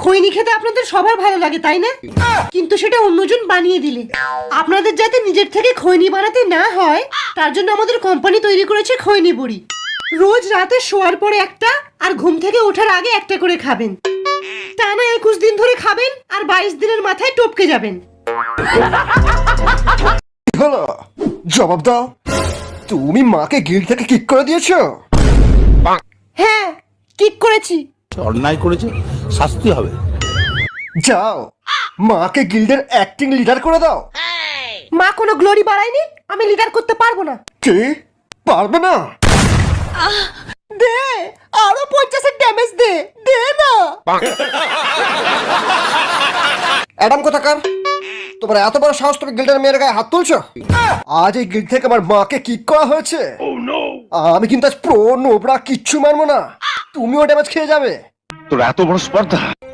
খৈনি খেতে আপনাদের সবার ভালো লাগে তাই না? কিন্তু সেটা অন্যজন বানিয়ে দিলে আপনাদের যাতে নিজের থেকে খৈনি বানাতে না হয় তার জন্য আমাদের কোম্পানি তৈরি করেছে খৈনি বড়ি। রোজ রাতে শোয়ার পরে একটা আর ঘুম থেকে ওঠার আগে একটা করে খাবেন। টানা 21 দিন ধরে খাবেন আর 22 দিনের মাথায় টপকে যাবেন। হলো জবাব দাও, তুমি মাকে গিল্ড থেকে কিক করে দিয়েছো? হ্যাঁ, কিক করেছি। অন্যায় করেছে, শাস্তি হবে। যাও মাকে গিল্ডের অ্যাক্টিং লিডার করে দাও। মা কোনো গ্লোরি বাড়ায়নি, আমি লিডার করতে পারবো না। কি পারবে না? দে আরো 50 ড্যামেজ দে, দে না। অ্যাডাম কোথাকার, তোমার এত বড় সাহস, তুমি গিল্ডের মেয়ের গায়ে হাত তুলছো? আজ এই গিল্ড থেকে আমার মাকে কিক করা হয়েছে। আমি কিন্তু আজ প্রো নোবরা কিচ্ছু মানবো না, তুমিও ড্যামেজ খেয়ে যাবে। তোর এত বড় স্পর্ধা!